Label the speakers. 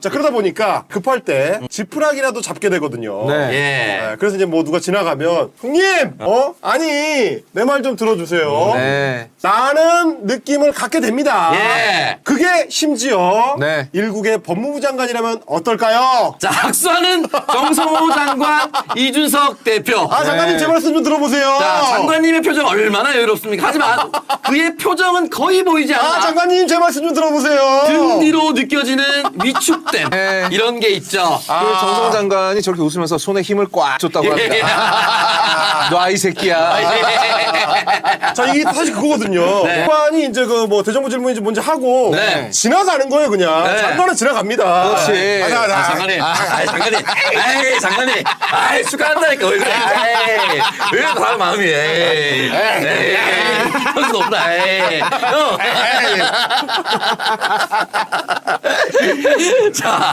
Speaker 1: 자, 그러다 보니까 급할 때 지푸라기라도 잡게 되거든요.
Speaker 2: 네.
Speaker 3: 예.
Speaker 1: 네, 그래서 이제 뭐 누가 지나가면 형님, 아니 내 말 좀 들어주세요.
Speaker 2: 네.
Speaker 1: 라는 느낌을 갖게 됩니다.
Speaker 3: 예.
Speaker 1: 그게 심지어
Speaker 2: 네.
Speaker 1: 일국의 법무부 장관이라면 어떨까요?
Speaker 3: 자, 악수하는 정성호 장관, 이준석 대표.
Speaker 1: 아, 장관님
Speaker 2: 네.
Speaker 1: 제 말씀 좀 들어보세요.
Speaker 3: 자, 장관님의 표정 얼마나 여유롭습니까? 하지만 그의 표정은 거의 보이지 않아.
Speaker 1: 아, 장관님 제 말씀 좀 들어보세요.
Speaker 3: 등 뒤로 느껴지는 위축됨.
Speaker 2: 네.
Speaker 3: 이런 게 있죠.
Speaker 2: 그 정성호 장관이 저렇게 웃으면서 손에 힘을 꽉 줬다고 합니다. 너 아이 새끼야.
Speaker 1: 자, 이게 사실 그거거든요.
Speaker 3: 네.
Speaker 1: 장관이 이제 그 뭐 대정부 질문인지 뭔지 하고
Speaker 3: 네.
Speaker 1: 지나가는 거예요, 그냥.
Speaker 3: 네.
Speaker 1: 장관은 지나갑니다.
Speaker 2: 그렇지.
Speaker 3: 장관님. 장관님. 축하한다니까. 왜 그래. 왜 그런 마음이. 그럴 수 없다. 형. 자.